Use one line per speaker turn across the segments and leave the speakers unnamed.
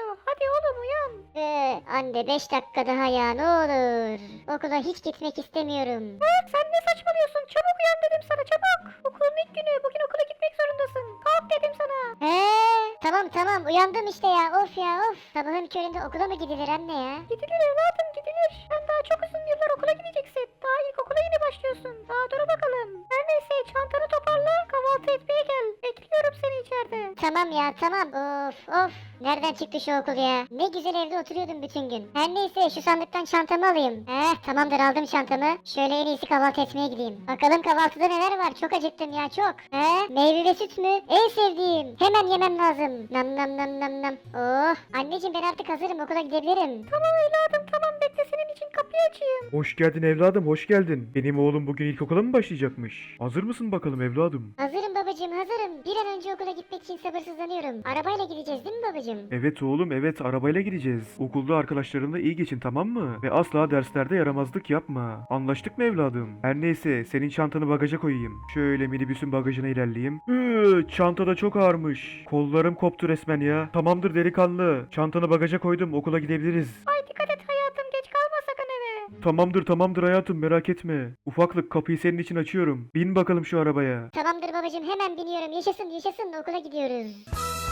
uyanmıyor. Hadi oğlum uyan.
Anne 5 dakika daha ya ne olur. Okula hiç gitmek istemiyorum.
Sen ne saçmalıyorsun? Çabuk uyan dedim sana çabuk. Okulun ilk günü. Bugün okula gitmek zorundasın. Kalk dedim sana.
Tamam uyandım işte ya of ya of. Sabahın köründe okula mı gidilir anne ya?
Gidilir evladım gidilir. Sen daha çok uzun yıllar okula gideceksin. Daha ilkokula yeni başlıyorsun. Daha dur bakalım. Her neyse çantanı toparla. Kahvaltı etmeye gel. Bekliyorum seni içeride.
Tamam ya tamam of. Nereden çıktı şu okul ya? Ne güzel evde oturuyordum bütün gün. Her neyse şu sandıktan çantamı alayım. Tamamdır aldım çantamı. Şöyle en iyisi kahvaltı etmeye gideyim. Bakalım kahvaltıda neler var? Çok acıktım ya çok. Meyve ve süt mü? En sevdiğim. Hemen yemem lazım. Nam. Oh. Anneciğim ben artık hazırım okula gidebilirim.
Tamam evladım tamam bekle senin için kapıyı açayım.
Hoş geldin evladım, hoş geldin. Benim oğlum bugün ilkokula mı başlayacakmış? Hazır mısın bakalım evladım?
Hazırım babacığım hazırım. Bir an önce okula gitmek için sabırsızlanıyorum. Arabayla gideceğiz değil mi babacığım?
Evet oğlum, evet arabayla gideceğiz. Okulda arkadaşlarınla iyi geçin, tamam mı? Ve asla derslerde yaramazlık yapma. Anlaştık mı evladım? Her neyse senin çantanı bagaja koyayım. Şöyle minibüsün bagajına ilerleyeyim. Çanta da çok ağırmış. Kollarım koptu resmen ya. Tamamdır delikanlı. Çantanı bagaja koydum, okula gidebiliriz.
Ay dikkat et hayatım geç kalma sakın eve.
Tamamdır hayatım, merak etme. Ufaklık, kapıyı senin için açıyorum. Bin bakalım şu arabaya.
Tamamdır babacığım hemen biniyorum. Yaşasın okula gidiyoruz.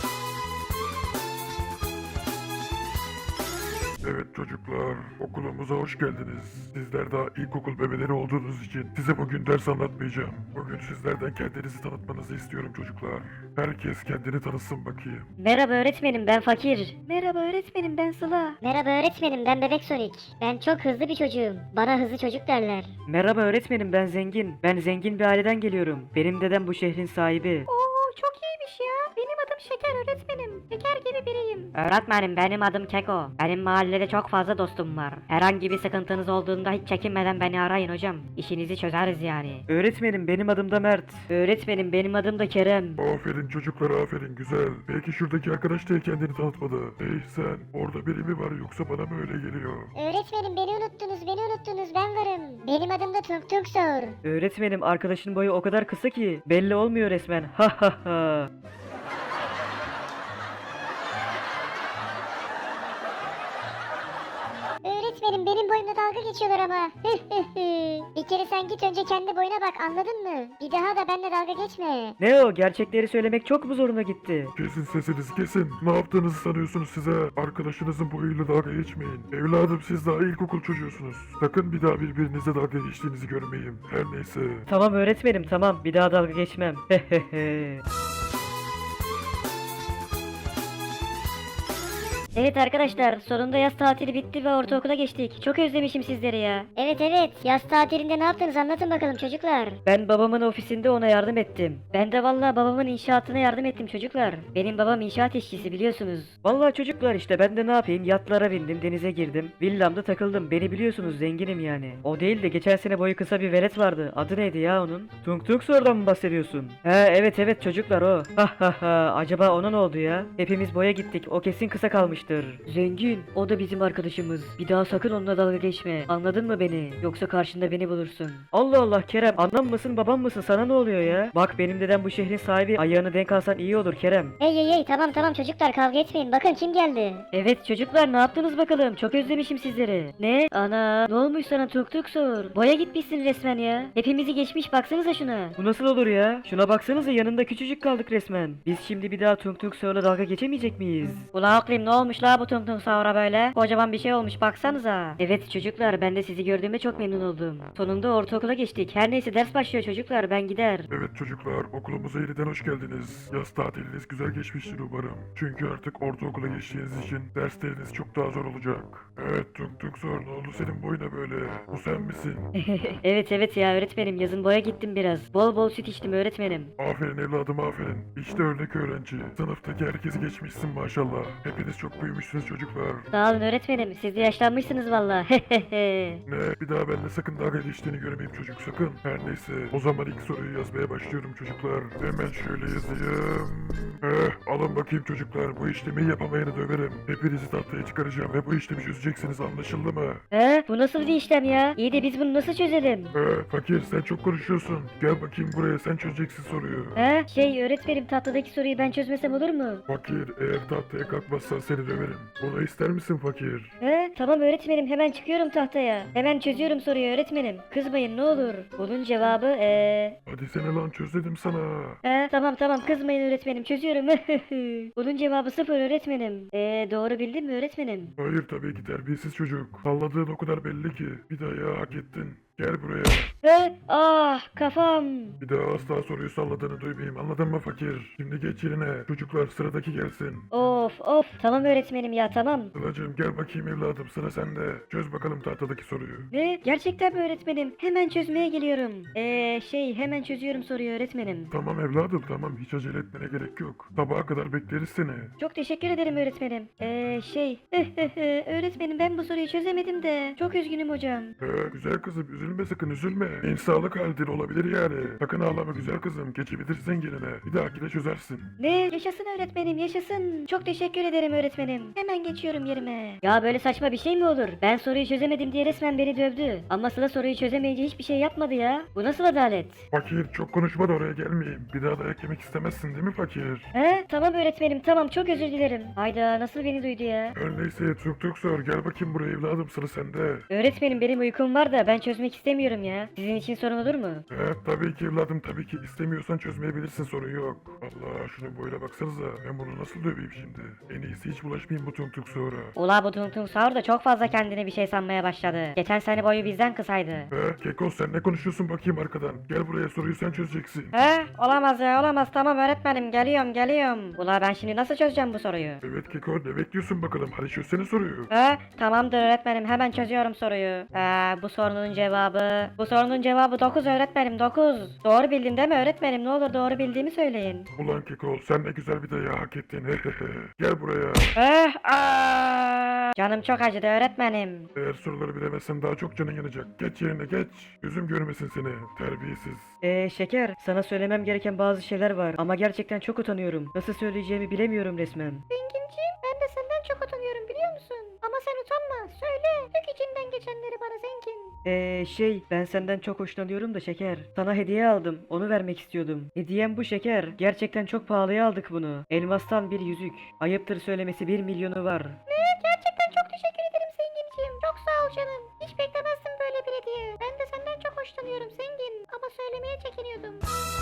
Evet çocuklar, okulumuza hoş geldiniz. Sizler daha ilkokul bebeleri olduğunuz için size bugün ders anlatmayacağım. Bugün sizlerden kendinizi tanıtmanızı istiyorum çocuklar. Herkes kendini tanısın bakayım.
Merhaba öğretmenim ben Fakir.
Merhaba öğretmenim ben Sıla.
Merhaba öğretmenim ben Bebek Sonic. Ben çok hızlı bir çocuğum. Bana hızlı çocuk derler.
Merhaba öğretmenim ben Zengin. Ben zengin bir aileden geliyorum. Benim dedem bu şehrin sahibi.
Oo çok iyiymiş ya. Benim adım Şeker öğretmenim. Şeker gibi biriyim.
Öğretmenim benim adım Keko. Benim mahallede çok fazla dostum var. Herhangi bir sıkıntınız olduğunda hiç çekinmeden beni arayın hocam. İşinizi çözeriz yani. Öğretmenim benim adım da Mert. Öğretmenim benim adım da Kerem.
Aferin çocuklar, aferin, güzel. Belki şuradaki arkadaş da kendini tanıtmadı. Hey sen, orada biri mi var yoksa bana mı öyle geliyor?
Öğretmenim beni unuttunuz ben varım. Benim adım da Tung Tung Sor.
Öğretmenim arkadaşın boyu o kadar kısa ki belli olmuyor resmen. Ha ha ha.
Öğretmenim benim boyumla dalga geçiyorlar ama. Bir kere sen git önce kendi boyuna bak anladın mı? Bir daha da benimle dalga geçme.
Ne o gerçekleri söylemek çok mu zoruna gitti?
Kesin sesinizi kesin. Ne yaptığınızı sanıyorsunuz size? Arkadaşınızın boyuyla dalga geçmeyin. Evladım siz daha ilkokul çocuğusunuz. Sakın bir daha birbirinize dalga geçtiğinizi görmeyeyim. Her neyse.
Tamam öğretmenim tamam bir daha dalga geçmem. Hehehe. Evet arkadaşlar sonunda yaz tatili bitti ve ortaokula geçtik. Çok özlemişim sizleri ya.
Evet yaz tatilinde ne yaptınız anlatın bakalım çocuklar.
Ben babamın ofisinde ona yardım ettim. Ben de vallahi babamın inşaatına yardım ettim çocuklar. Benim babam inşaat işçisi biliyorsunuz. Vallahi çocuklar işte ben de ne yapayım yatlara bindim denize girdim. Villamda takıldım beni biliyorsunuz zenginim yani. O değil de geçen sene boyu kısa bir velet vardı. Adı neydi ya onun? Tung Tung Sor'dan mı bahsediyorsun? He evet çocuklar o. Ha ha ha acaba ona ne oldu ya? Hepimiz boya gittik o kesin kısa kalmıştır. Zengin o da bizim arkadaşımız. Bir daha sakın onunla dalga geçme. Anladın mı beni? Yoksa karşında beni bulursun. Allah Allah Kerem anam mısın babam mısın sana ne oluyor ya? Bak benim dedem bu şehrin sahibi ayağını denk alsan iyi olur Kerem.
Hey tamam çocuklar kavga etmeyin bakın kim geldi.
Evet çocuklar ne yaptınız bakalım? Çok özlemişim sizleri. Ne? Ana ne olmuş sana tuk tuk sor. Boya gitmişsin resmen ya. Hepimizi geçmiş baksanıza şuna. Bu nasıl olur ya? Şuna baksanıza yanında küçücük kaldık resmen. Biz şimdi bir daha tuk tuk sorla dalga geçemeyecek miyiz? Ula aklım ne olmuş la bu tuk tuk sora böyle? Kocaman bir şey olmuş baksanıza. Evet çocuklar ben de sizi gördüğüme çok memnun oldum. Sonunda ortaokula geçtik. Her neyse ders başlıyor çocuklar ben gider.
Evet çocuklar, okulumuza yeniden hoş geldiniz. Yaz tatiliniz güzel geçmiştir umarım. Çünkü artık ortaokula geçtiğiniz için dersleriniz çok daha zor olacak. Evet Tung Tung Sor, ne oldu senin boyuna böyle? Bu sen misin?
Evet ya öğretmenim yazın boya gittim biraz. Bol bol süt içtim öğretmenim.
Aferin evladım aferin. İşte örnek öğrenci. Sınıftaki herkesi geçmişsin maşallah. Hepiniz çok büyümüşsünüz çocuklar.
Sağ olun öğretmenim siz de yaşlanmışsınız valla.
Ne? Bir daha benimle sakın dalga geçtiğini görmeyeyim çocuk sakın. Her neyse o zaman ilk soruyu yazmaya başlıyorum çocuklar. Hemen şöyle yazayım. Alın bakayım çocuklar, bu işlemi yapamayanı döverim. Hepinizi tahtaya çıkaracağım ve bu işlemi çözeceksiniz, anlaşıldı mı?
Bu nasıl bir işlem ya? İyi de biz bunu nasıl çözelim?
Fakir sen çok konuşuyorsun. Gel bakayım buraya, sen çözeceksin soruyu.
Öğretmenim tahtadaki soruyu ben çözmesem olur mu?
Fakir eğer tahtaya kalkmazsan seni döverim. Bunu ister misin fakir?
He, tamam öğretmenim, hemen çıkıyorum tahtaya. Hemen çözüyorum soruyu öğretmenim. Kızmayın ne olur. Bunun cevabı
Hadi sene lan çöz dedim sana.
Tamam tamam kızmayın öğretmenim, çözüyorum. Bunun cevabı 0 öğretmenim. Doğru bildim mi öğretmenim?
Hayır tabii ki terbiyesiz çocuk. Salladığın o kadar belli ki. Bir daha ya hak ettin. Gel buraya.
Kafam.
Bir daha asla soruyu salladığını duymayayım. Anladın mı fakir? Şimdi geç yerine. Çocuklar sıradaki gelsin.
Of tamam öğretmenim ya, tamam.
Sıla'cığım gel bakayım evladım sıra sende. Çöz bakalım tahtadaki soruyu.
Ne? Gerçekten mi öğretmenim? Hemen çözmeye geliyorum. Hemen çözüyorum soruyu öğretmenim.
Tamam evladım tamam hiç acele etmene gerek yok. Sabaha kadar bekleriz seni.
Çok teşekkür ederim öğretmenim. Öğretmenim ben bu soruyu çözemedim de. Çok üzgünüm hocam.
Güzel kızım üzülme sakın üzülme. İnsanlık halidir olabilir yani. Sakın ağlama güzel kızım geçebilirsin yerine. Bir dahakine çözersin.
Ne? Yaşasın öğretmenim yaşasın. Çok teşekkür ederim öğretmenim. Hemen geçiyorum yerime. Ya böyle saçma bir şey mi olur? Ben soruyu çözemedim diye resmen beni dövdü. Ama Sıla soruyu çözemeyince hiçbir şey yapmadı ya. Bu nasıl adalet?
Fakir çok konuşma da oraya gelmeyeyim. Bir daha dayak yemek istemezsin değil mi fakir?
Tamam öğretmenim tamam, çok özür dilerim. Hayda, nasıl beni duydu ya?
Her neyse tuk sor gel bakayım buraya evladım sıra sende.
Öğretmenim benim uykum var da ben çözmek istemiyorum ya. Sizin için sorun olur mu?
Tabii ki evladım tabii ki istemiyorsan çözmeyebilirsin sorun yok. Allah şunun boyuna baksanıza ben bunu nasıl döveyim şimdi. En iyisi hiç bulaşmayayım bu tuk sonra.
Ula bu Tung Tung Sahur da çok fazla kendine bir şey sanmaya başladı. Geçen sene boyu bizden kısaydı.
Keko sen ne konuşuyorsun bakayım arkadan. Gel buraya soruyu sen çözeceksin.
Olamaz ya olamaz, tamam öğretmenim geliyorum. Ula ben şimdi nasıl çözeceğim bu soruyu?
Evet Keko ne bekliyorsun bakalım hadi çözsene soruyu.
Tamamdır öğretmenim, hemen çözüyorum soruyu. Bu sorunun cevabı 9 öğretmenim, 9. Doğru bildim değil mi öğretmenim? Ne olur doğru bildiğimi söyleyin.
Ulan Keko sen ne güzel bir dayağı hak ettin. Gel buraya.
Canım çok acıdı öğretmenim.
Eğer soruları bilemezsen daha çok canın yanacak. Geç yerine geç. Gözüm görmesin seni. Terbiyesiz.
Şeker, sana söylemem gereken bazı şeyler var ama gerçekten çok utanıyorum. Nasıl söyleyeceğimi bilemiyorum resmen.
Zenginciğim ben de senden çok utanıyorum biliyor musun? Ama sen utanma. Söyle. Dök içinden geçenleri bana zengin.
Ben senden çok hoşlanıyorum da Şeker. Sana hediye aldım, onu vermek istiyordum. Hediyem bu Şeker. Gerçekten çok pahalıya aldık bunu. Elmastan bir yüzük. Ayıptır söylemesi 1 milyonu var.
Gerçekten çok teşekkür ederim zenginciğim. Çok sağ ol canım. Hiç beklemezdim böyle bir hediye. Ben de senden çok hoşlanıyorum zengin. Ama söylemeye çekiniyordum.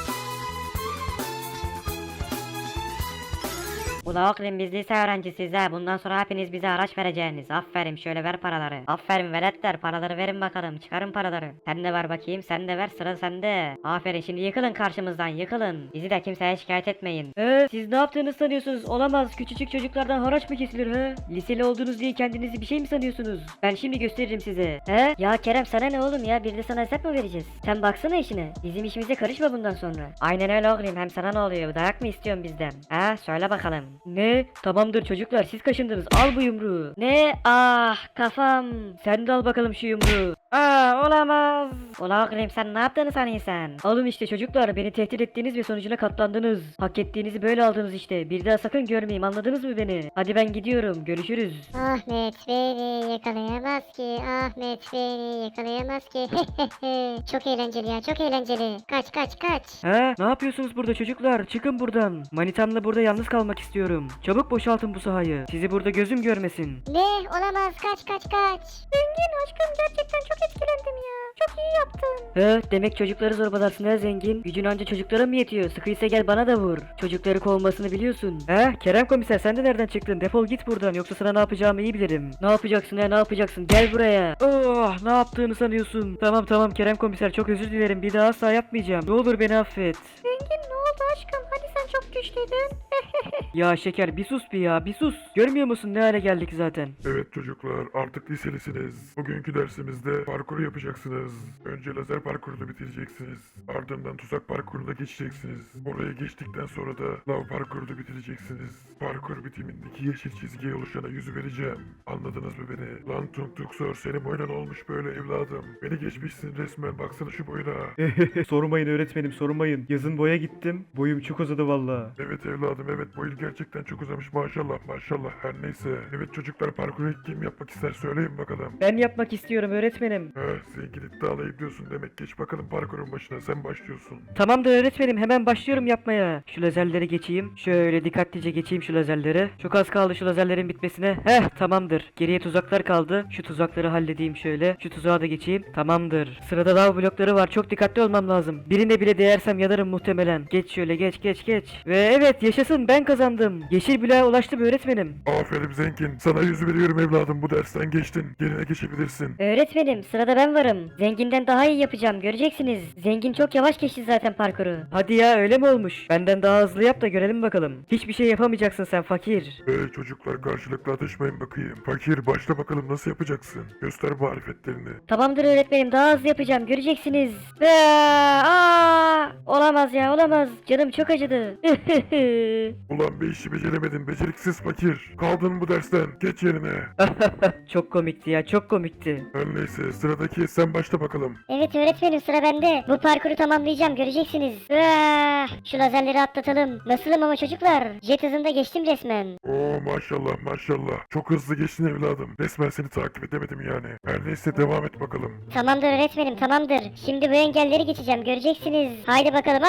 Ula oğlum biz lise öğrencisiyiz ha. Bundan sonra hepiniz bize araç vereceğiniz. Aferin, şöyle ver paraları. Aferin veletler, paraları verin bakalım. Çıkarın paraları. Sen de ver bakayım, sen de ver, sıra sende. Aferin, şimdi yıkılın karşımızdan, yıkılın. Bizi de kimseye şikayet etmeyin. Siz ne yaptığını sanıyorsunuz? Olamaz, küçücük çocuklardan haraç mı kesilir he? Liseli olduğunuz diye kendinizi bir şey mi sanıyorsunuz? Ben şimdi gösteririm size. Ya Kerem sana ne oğlum ya? Bir de sana hesap mı vereceğiz? Sen baksana işine. Bizim işimize karışma bundan sonra. Aynen öyle oğlum, hem sana ne oluyor? Dayak mı istiyorsun bizden? Söyle bakalım. Ne? Tamamdır çocuklar, siz kaşındınız. Al bu yumruğu. Ne? Kafam. Sen de al bakalım şu yumruğu. Olamaz. Ulan oğlum sen ne yaptığını sanıyorsun? Alın işte çocuklar, beni tehdit ettiğiniz ve sonucuna katlandınız. Hak ettiğinizi böyle aldınız işte. Bir daha sakın görmeyeyim, anladınız mı beni? Hadi ben gidiyorum, görüşürüz.
Ahmet beni yakalayamaz ki. Ahmet beni yakalayamaz ki. Çok eğlenceli ya, çok eğlenceli. Kaç.
Ne yapıyorsunuz burada çocuklar? Çıkın buradan. Manitamla burada yalnız kalmak istiyorum. Çabuk boşaltın bu sahayı. Sizi burada gözüm görmesin.
Ne? Olamaz, kaç.
Zengin aşkım gerçekten çok etkilendim ya. Çok iyi yaptın.
Demek çocukları zorbalarsın ha zengin. Gücün anca çocuklara mı yetiyor? Sıkıysa gel bana da vur. Çocukları kovmasını biliyorsun. Kerem komiser sen de nereden çıktın? Defol git buradan, yoksa sana ne yapacağımı iyi bilirim. Ne yapacaksın ne yapacaksın? Gel buraya. Ne yaptığını sanıyorsun? Tamam Kerem komiser, çok özür dilerim. Bir daha asla yapmayacağım. Ne olur beni affet.
Zengin ne oldu aşkım? Hani sen çok güçlüydün.
Ya Şeker bir sus bir sus. Görmüyor musun ne hale geldik zaten?
Evet çocuklar artık liselisiniz. Bugünkü dersimizde parkur yapacaksınız. Önce lazer parkurunu bitireceksiniz. Ardından tuzak parkuruna geçeceksiniz. Oraya geçtikten sonra da lav parkurunu bitireceksiniz. Parkur bitimindeki yeşil çizgiye oluşana yüzü vereceğim. Anladınız mı beni? Lan Tung Sor senin boyuna olmuş böyle evladım. Beni geçmişsin resmen, baksana şu boyuna.
Sormayın öğretmenim sormayın. Yazın boya gittim. Boyum çok uzadı valla.
Evet evladım evet, boyun gerçekten çok uzamış maşallah her neyse. Evet çocuklar parkuru kim yapmak ister söyleyin bakalım.
Ben yapmak istiyorum öğretmenim. öğretmenim.
Zengin iddialı ediyorsun demek. Geç bakalım parkurun başına, sen başlıyorsun.
Tamamdır öğretmenim, hemen başlıyorum yapmaya. Şu lazerleri geçeyim. Şöyle dikkatlice geçeyim şu lazerleri. Çok az kaldı şu lazerlerin bitmesine. Tamamdır. Geriye tuzaklar kaldı. Şu tuzakları halledeyim şöyle. Şu tuzağa da geçeyim. Tamamdır. Sırada lav blokları var. Çok dikkatli olmam lazım. Birine bile değersem yanarım muhtemelen. Geç şöyle, geç. Ve evet, yaşasın, ben kazandım. Yeşil bloğa ulaştım öğretmenim.
Aferin Zengin. Sana 100 veriyorum evladım, bu dersten geçtin. Yerine geçebilirsin.
Öğretmenim, sırada ben varım. Zenginden daha iyi yapacağım, göreceksiniz. Zengin çok yavaş geçti zaten parkuru. Hadi ya, öyle mi olmuş? Benden daha hızlı yap da görelim bakalım. Hiçbir şey yapamayacaksın sen fakir.
Çocuklar karşılıklı atışmayın bakayım. Fakir, başla bakalım, nasıl yapacaksın? Göster marifetlerini.
Tamamdır öğretmenim, daha hızlı yapacağım, göreceksiniz. Olamaz ya, olamaz. Canım çok acıdı.
Ulan bir işi beceremedin beceriksiz fakir. Kaldın bu dersten. Geç yerine.
Çok komikti ya, çok komikti.
Her neyse, sıradaki sen başla bakalım.
Evet öğretmenim, sıra bende. Bu parkuru tamamlayacağım, göreceksiniz. Şu lazerleri atlatalım. Nasılım ama çocuklar? Jet hızında geçtim resmen.
Oo maşallah maşallah. Çok hızlı geçtin evladım. Resmen seni takip edemedim yani. Her neyse, devam et bakalım.
Tamamdır öğretmenim, tamamdır. Şimdi bu engelleri geçeceğim, göreceksiniz. Haydi bakalım.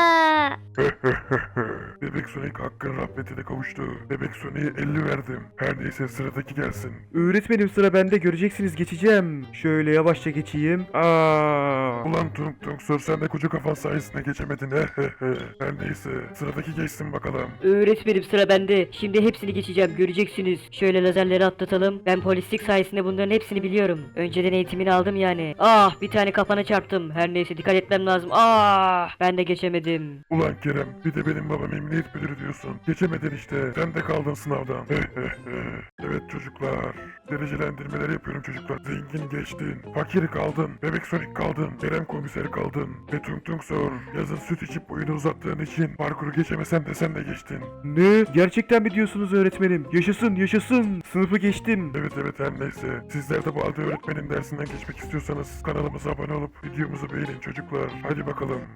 Bebek Sonic hakkın rahmetine kavuştu. Bebek Sonic'e 50 verdim. Her neyse, sıradaki gelsin.
Öğretmenim sıra bende, göreceksiniz, geçeceğim. Şöyle yavaşça geçeyim.
Ulan Tung Tung Sor, sen de koca kafan sayesinde geçemedin. Her neyse, sıradaki geçsin bakalım.
Öğretmenim, sıra bende. Şimdi hepsini geçeceğim, göreceksiniz. Şöyle lazerleri atlatalım. Ben polislik sayesinde bunların hepsini biliyorum. Önceden eğitimini aldım yani. Bir tane kafana çarptım. Her neyse, dikkat etmem lazım. Ben de geçemedim.
Ulan Kerem, bir de benim babam emniyet müdürü diyorsun. Geçemedin işte, sen de kaldın sınavdan. Evet çocuklar, derecelendirmeler yapıyorum çocuklar. Zengin geçtin, fakir kaldın, bebek Sonic kaldın, Kerem komiser kaldın ve Tung Tung Sor. Yazın süt içip boyunu uzattığın için parkuru geçemesen de sen de geçtin.
Ne? Gerçekten mi diyorsunuz öğretmenim? Yaşasın, yaşasın. Sınıfı geçtim.
Evet her neyse. Sizler de bu halde öğretmenin dersinden geçmek istiyorsanız kanalımıza abone olup videomuzu beğenin çocuklar. Hadi bakalım.